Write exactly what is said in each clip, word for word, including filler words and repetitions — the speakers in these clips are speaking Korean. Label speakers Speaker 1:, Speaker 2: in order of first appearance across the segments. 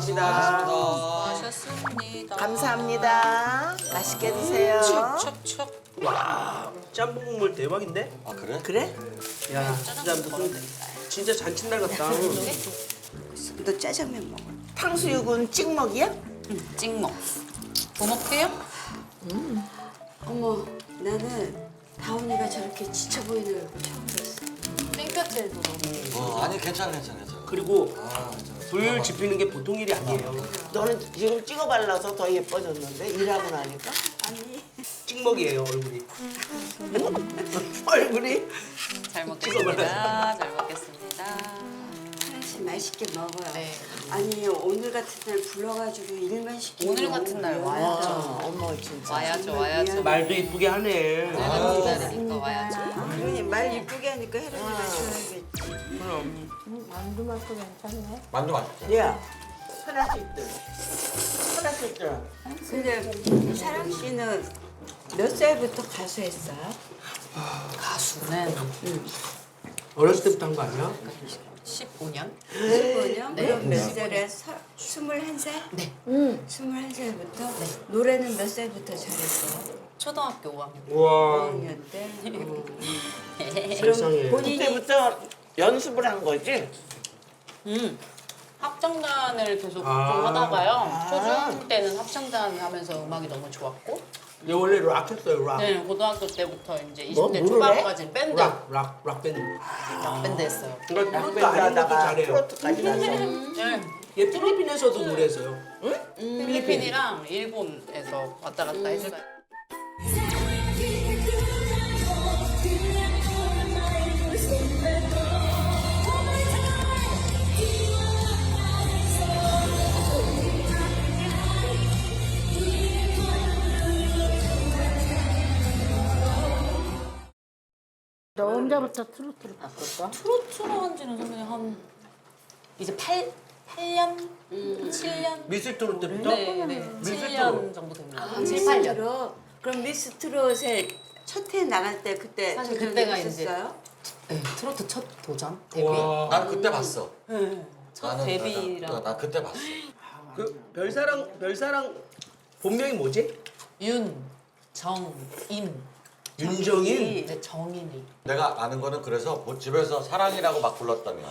Speaker 1: 고맙습니다.
Speaker 2: 하셨습니다.
Speaker 3: 감사합니다. 맛있게 드세요.
Speaker 2: 척척.
Speaker 1: 와, 짬뽕 국물 대박인데?
Speaker 4: 아 그래?
Speaker 3: 그래?
Speaker 1: 야, 진짜 무슨 진짜 잔칫날 같다.
Speaker 3: 너 짜장면 먹어. 탕수육은 찍먹이야?
Speaker 2: 찍먹. 뭐 먹게요?
Speaker 5: 어머, 나는 다운이가 저렇게 지쳐 보이는 얼굴 처음 봤어.
Speaker 2: 땡볕에도 너무.
Speaker 4: 어 아니 괜찮아 괜찮아 괜찮아.
Speaker 1: 그리고
Speaker 4: 아 괜찮아.
Speaker 1: 불 지피는 게 보통 일이 아니에요.
Speaker 3: 너는 지금 찍어 발라서 더 예뻐졌는데 일하고 나니까
Speaker 5: 아니,
Speaker 1: 찍먹이에요, 얼굴이.
Speaker 3: 얼굴이
Speaker 2: 잘 먹겠습니다. 잘 먹겠습니다.
Speaker 5: 하나씩 맛있게 먹어요.
Speaker 2: 네.
Speaker 5: 아니, 오늘 같은 날 불러가지고 일만 시키고
Speaker 2: 오늘 같은 날 와야죠.
Speaker 3: 어, 어머 진짜.
Speaker 2: 와야죠, 와야죠.
Speaker 1: 말도 이쁘게 하네.
Speaker 2: 내가 기다리니까 와야죠.
Speaker 5: 그러니 말 이쁘게 하니까 혜련이가 좋아하겠지.
Speaker 4: 만두 맛있어.
Speaker 3: 야 하나씩 들어. 하나씩 들어.
Speaker 5: 근데 사랑 씨는 몇 살부터 가수 했어요?
Speaker 2: 가수는
Speaker 1: 어렸을 때부터 한 거 아니야?
Speaker 2: 십오 년?
Speaker 5: 십오 년?
Speaker 2: 네.
Speaker 5: 그럼 몇 살에? 서, 스물한 살?
Speaker 2: 네.
Speaker 5: 스물한 살부터? 노래는 몇 살부터 잘했어요?
Speaker 2: 초등학교 오 학년.
Speaker 1: 우와,
Speaker 5: 오 학년 때? 어.
Speaker 1: 세상에.
Speaker 5: 본인이
Speaker 3: 그때부터 연습을 한 거지?
Speaker 2: 음. 합창단을 계속
Speaker 1: 아.
Speaker 2: 좀 하다가요. 초중 때는 합창단 하면서 음악이 너무 좋았고,
Speaker 1: 얘 원래 락 했어요, 락.
Speaker 2: 네, 고등학교 때부터 이제
Speaker 3: 뭐?
Speaker 2: 이십 대
Speaker 3: 뭐를 해?
Speaker 2: 초반까지 밴드,
Speaker 1: 락, 락, 락 밴드.
Speaker 2: 락 밴드 했어요.
Speaker 1: 그러니까 트로트
Speaker 3: 밴드
Speaker 1: 아닌 것도
Speaker 3: 하다가
Speaker 1: 잘해요.
Speaker 3: 트로트까지 가서.
Speaker 2: 네.
Speaker 1: 얘 필리핀에서도 노래했어요.
Speaker 2: 필리핀이랑 일본에서 왔다 갔다 했어요.
Speaker 6: 너 언제부터 트로트를 바꿨어?
Speaker 2: 트로트로 한 지는 선배님 한 이제 팔, 팔 년? 칠 년?
Speaker 1: 미술 트로트 때부터?
Speaker 2: 네, 네. 칠 년 정도 됩니다. 칠, 팔 년.
Speaker 5: 미스트롯? 그럼 미스트롯에 첫 해 나갈 때 그때
Speaker 2: 사실
Speaker 5: 도전을
Speaker 2: 그때가 이제
Speaker 5: 했었어요?
Speaker 2: 네, 트로트 첫 도전? 데뷔?
Speaker 1: 와.
Speaker 4: 난 그때 봤어.
Speaker 2: 네. 첫
Speaker 4: 나는
Speaker 2: 데뷔랑
Speaker 4: 나, 나, 나 그때 봤어.
Speaker 1: 그 별사랑, 별사랑 본명이 뭐지?
Speaker 2: 윤, 정, 인.
Speaker 1: 윤정인?
Speaker 2: 네, 정인이.
Speaker 4: 내가 아는 거는 그래서 뭐 집에서 사랑이라고 막 불렀다며.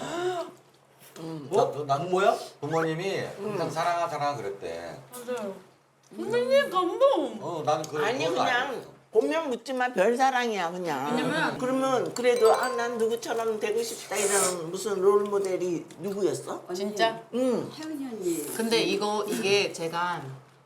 Speaker 1: 뭐?
Speaker 4: 나, 난
Speaker 1: 뭐야?
Speaker 4: 부모님이 항상 사랑아 사랑아 그랬대.
Speaker 2: 맞아요. 선배님 감동!
Speaker 4: 어, 나는 그
Speaker 3: 아니
Speaker 4: 그건
Speaker 3: 그냥
Speaker 4: 알겠어.
Speaker 3: 본명 묻지마 별사랑이야 그냥.
Speaker 2: 왜냐면-
Speaker 3: 그러면 그래도 아 난 누구처럼 되고 싶다 이런 무슨 롤 모델이 누구였어?
Speaker 2: 진짜?
Speaker 3: 응.
Speaker 5: 혜은이 언니.
Speaker 2: 근데 이거, 이게 제가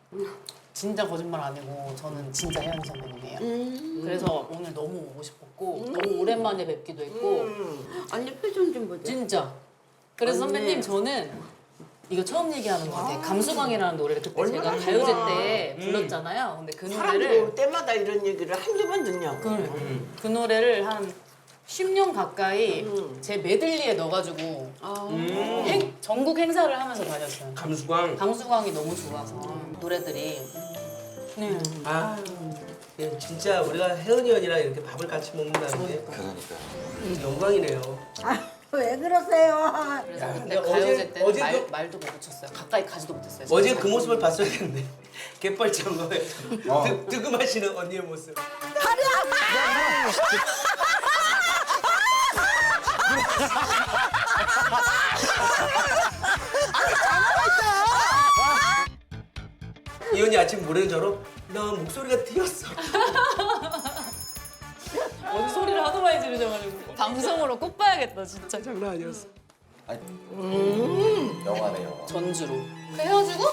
Speaker 2: 진짜 거짓말 아니고 저는 진짜 혜연 선배님이에요. 그래서 오늘 너무 오고 싶었고 너무 오랜만에 뵙기도 했고
Speaker 3: 음.
Speaker 5: 언니 표정 좀 보자.
Speaker 2: 진짜. 그래서
Speaker 5: 언니.
Speaker 2: 선배님 저는 이거 처음 얘기하는 것 같아요. 감수광이라는 노래를 그때 제가
Speaker 3: 얼마나
Speaker 2: 가요제
Speaker 3: 좋아.
Speaker 2: 때
Speaker 1: 음.
Speaker 2: 불렀잖아요. 근데 그
Speaker 3: 사람들이
Speaker 2: 노래를
Speaker 3: 올 때마다 이런 얘기를 한두 번 듣냐고.
Speaker 2: 그, 그 노래를 한 십 년 가까이
Speaker 3: 음.
Speaker 2: 제 메들리에 넣어가지고
Speaker 5: 아,
Speaker 1: 음.
Speaker 2: 행, 전국 행사를 하면서 다녔어요.
Speaker 1: 감수광.
Speaker 2: 감수광이 너무 좋아서 노래들이. 네.
Speaker 1: 아, 예, 진짜 우리가 혜은이 언니랑 이렇게 밥을 같이 먹는다는 게
Speaker 4: 그러니까.
Speaker 1: 영광이네요.
Speaker 6: 왜 그러세요?
Speaker 2: 그래서
Speaker 1: 야,
Speaker 2: 그때
Speaker 1: 근데
Speaker 2: 가요제
Speaker 1: 어제-
Speaker 2: 때
Speaker 1: 어제
Speaker 2: 말,
Speaker 1: 그-
Speaker 2: 말도 못 붙였어요. 가까이 가지도 못했어요.
Speaker 1: 어제
Speaker 2: 진짜.
Speaker 1: 그 모습을 봤어야겠네. 갯벌처럼
Speaker 4: 어.
Speaker 1: 득- 득음하시는 언니의 모습. 이 언니 아침 모래처럼 나 목소리가 트였어.
Speaker 2: 어디 소리를 하도 많이 지르셔가지고 방송으로 꼭 봐야겠다 진짜.
Speaker 1: 장난 아니었어.
Speaker 4: 아니, 영화네 영화.
Speaker 2: 전주로 헤어지고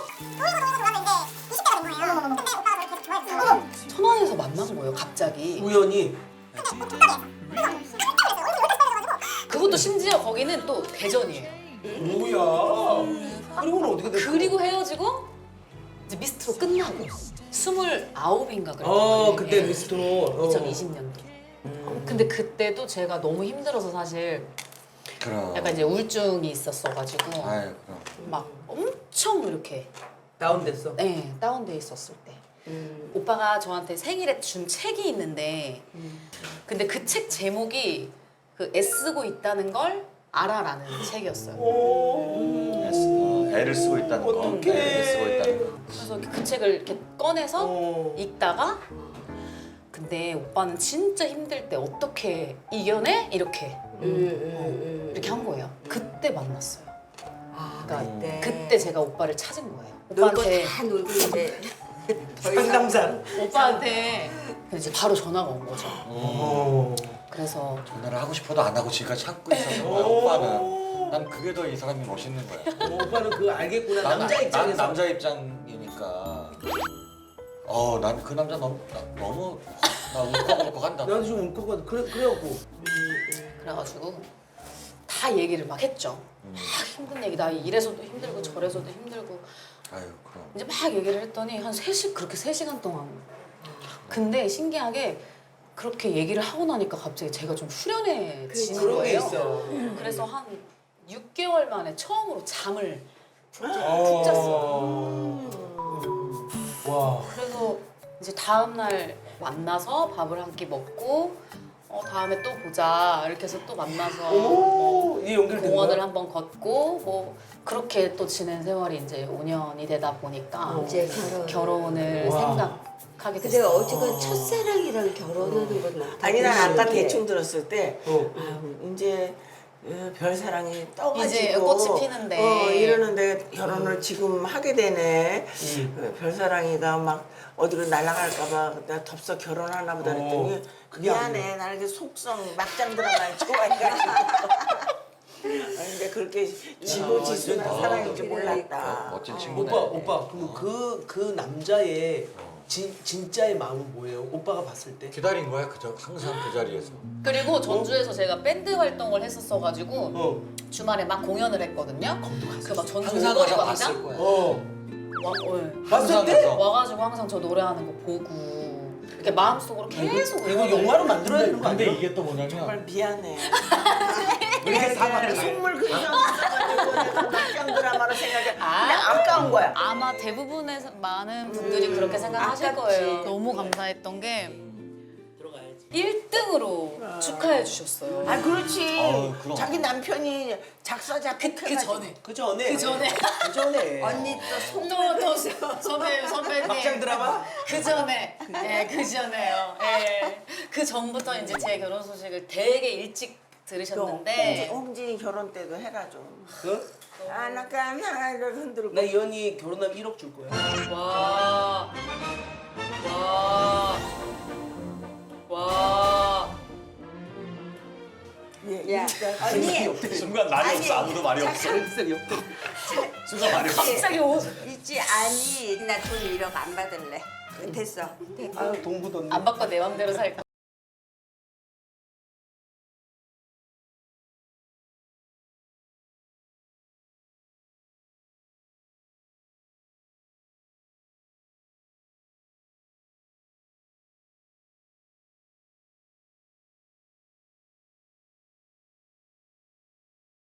Speaker 2: 천안에서 만난 거예요 갑자기.
Speaker 1: 우연히
Speaker 2: 그것도 심지어 거기는 또 대전이에요.
Speaker 1: 뭐야? 그리고는 어떻게 됐어?
Speaker 2: 그리고 헤어지고 이제 미스트로 끝나고 스물아홉인가 그랬던
Speaker 1: 어
Speaker 2: 거예요.
Speaker 1: 그때
Speaker 2: 예.
Speaker 1: 미스트로 어.
Speaker 2: 이천이십 년도. 근데 그때도 제가 너무 힘들어서 사실
Speaker 4: 그럼.
Speaker 2: 약간 이제 우울증이 있었어가지고
Speaker 4: 아이 그럼.
Speaker 2: 막 엄청 이렇게
Speaker 1: 다운됐어.
Speaker 2: 네, 다운돼 있었을 때 오빠가 저한테 생일에 준 책이 있는데 근데 그 책 제목이 그 애쓰고 있다는 걸 알아라는 책이었어요.
Speaker 1: 오.
Speaker 4: 애쓰, 어, 애를 쓰고 있다는 거.
Speaker 1: 어떡해.
Speaker 4: 애를 쓰고 있다는 거.
Speaker 2: 그래서 그 책을 이렇게 꺼내서
Speaker 1: 어.
Speaker 2: 읽다가 근데 오빠는 진짜 힘들 때 어떻게 이겨내? 이렇게 이렇게 한 거예요. 그때 만났어요.
Speaker 5: 아,
Speaker 2: 그러니까
Speaker 5: 그때.
Speaker 2: 그때 제가 오빠를 찾은 거예요.
Speaker 5: 놀고
Speaker 2: 오빠한테
Speaker 5: 다 놀고 있는데 더 이상
Speaker 1: 상담상.
Speaker 2: 오빠한테 이제 바로 전화가 온 거죠.
Speaker 1: 어.
Speaker 2: 그래서
Speaker 4: 전화를 하고 싶어도 안 하고 지금까지 참고 있었던 거야. 오빠는. 난 그게 더 이 사람이 멋있는 거야.
Speaker 1: 어, 오빠는 그거 알겠구나.
Speaker 4: 난,
Speaker 1: 남자
Speaker 4: 난
Speaker 1: 입장에서.
Speaker 4: 남자 입장이니까. 어, 난 그 남자 너무 나, 너무 나 울컥울컥 한다.
Speaker 1: 나도 좀 울컥거든. 그래 그래갖고.
Speaker 2: 그래가지고 다 얘기를 막 했죠. 막 힘든 얘기. 나 이래서도 힘들고 저래서도 힘들고
Speaker 4: 아유, 그럼.
Speaker 2: 이제 막 얘기를 했더니 한 세 시 그렇게 세 시간 동안. 근데 신기하게 그렇게 얘기를 하고 나니까 갑자기 제가 좀 후련해지는
Speaker 1: 그런 게
Speaker 2: 거예요.
Speaker 1: 있어.
Speaker 2: 그래서 한 육 개월 만에 처음으로 잠을 푹
Speaker 1: 어.
Speaker 2: 잤어요.
Speaker 1: 와.
Speaker 2: 그래서 이제 다음 날 만나서 밥을 한 끼 먹고 어 다음에 또 보자 이렇게 해서 또 만나서 뭐
Speaker 1: 오, 이 연결된
Speaker 2: 공원을
Speaker 1: 거야?
Speaker 2: 한번 걷고 뭐 그렇게 또 지낸 세월이 이제 오 년이 되다 보니까
Speaker 5: 이제 결혼.
Speaker 2: 결혼을
Speaker 1: 와.
Speaker 2: 생각하게
Speaker 5: 근데
Speaker 2: 됐어요.
Speaker 5: 어쨌건 첫사랑이랑 결혼하는 건 어떻게
Speaker 3: 아니 난 아까
Speaker 5: 그게
Speaker 3: 대충 들었을 때
Speaker 1: 어.
Speaker 3: 아, 이제 어, 별사랑이 떠가지고
Speaker 2: 이제 꽃이 피는데.
Speaker 3: 어, 이러는데 결혼을 지금 하게 되네.
Speaker 1: 음.
Speaker 3: 어, 별사랑이가 막 어디로 날아갈까봐 내가 덥석 결혼하나 보다 그랬더니
Speaker 1: 어, 그게
Speaker 3: 미안해 나는 그 속성 막장 드라마를 좋아해가지고 아니, 근데 그렇게 지고지순한
Speaker 1: 아,
Speaker 3: 사랑인 줄
Speaker 5: 그러니까.
Speaker 3: 몰랐다.
Speaker 4: 멋진 친구네.
Speaker 1: 오빠 오빠 그럼 그 그 남자의 진 진짜의 마음은 뭐예요? 오빠가 봤을 때?
Speaker 4: 기다린 거야, 그저 항상 그 자리에서.
Speaker 2: 그리고 전주에서 제가 밴드 활동을 했었어가지고
Speaker 1: 어.
Speaker 2: 주말에 막 공연을 했거든요. 그 막 전주
Speaker 4: 항상
Speaker 2: 오거리
Speaker 4: 가서 봤을
Speaker 2: 광장
Speaker 4: 거야.
Speaker 1: 어.
Speaker 2: 와, 어,
Speaker 1: 봤을
Speaker 4: 항상
Speaker 1: 때?
Speaker 4: 가서.
Speaker 2: 와가지고 항상 저 노래하는 거 보고 이렇게 마음속으로 계속
Speaker 1: 이거
Speaker 2: 응원을
Speaker 1: 영화로 만들어야 되는 거
Speaker 4: 근데
Speaker 1: 아니야?
Speaker 4: 이게 또 뭐냐면
Speaker 3: 정말 미안해.
Speaker 1: 이렇게 사과를
Speaker 3: 선물 그냥 가지고 내가 막장 드라마로 생각해.
Speaker 2: 아.
Speaker 3: 근데 아까운 거야.
Speaker 2: 아마 대부분의 많은 분들이 그렇게 생각하실
Speaker 3: 아깝지.
Speaker 2: 거예요. 너무 감사했던 게
Speaker 1: 들어가야지.
Speaker 2: 일 등으로 축하해 주셨어요.
Speaker 3: 아 그렇지.
Speaker 4: 어우, 그럼.
Speaker 3: 자기 남편이 작사 작곡
Speaker 2: 그 전에
Speaker 1: 그 전에.
Speaker 2: 그 전에.
Speaker 1: 그 전에.
Speaker 5: 언니 또 속.
Speaker 2: 또또 선배 선배님
Speaker 1: 막장 드라마?
Speaker 2: 그 전에 예그 전에요. 예. 그 전부터 이제 제 결혼 소식을 되게 일찍 들으셨는데
Speaker 3: 홍진이 결혼 때도 해라 좀.
Speaker 1: 어?
Speaker 3: 아나까 나를 흔들고.
Speaker 1: 나 이 언니 결혼하면 일억 줄 거야.
Speaker 2: 와. 와. 와.
Speaker 3: 예,
Speaker 5: 야,
Speaker 3: 일단
Speaker 5: 언니.
Speaker 4: 순간 말이
Speaker 5: 아니,
Speaker 4: 없어. 아무도 말이 없어.
Speaker 1: 쌀쌀이 없대.
Speaker 4: 순간 말이 없어.
Speaker 2: 갑자기 옷.
Speaker 5: 있지 아니 나 돈 일억 안 받을래. 됐어.
Speaker 1: 아유 동부도
Speaker 2: 안 바꿔 내 맘대로 살 거.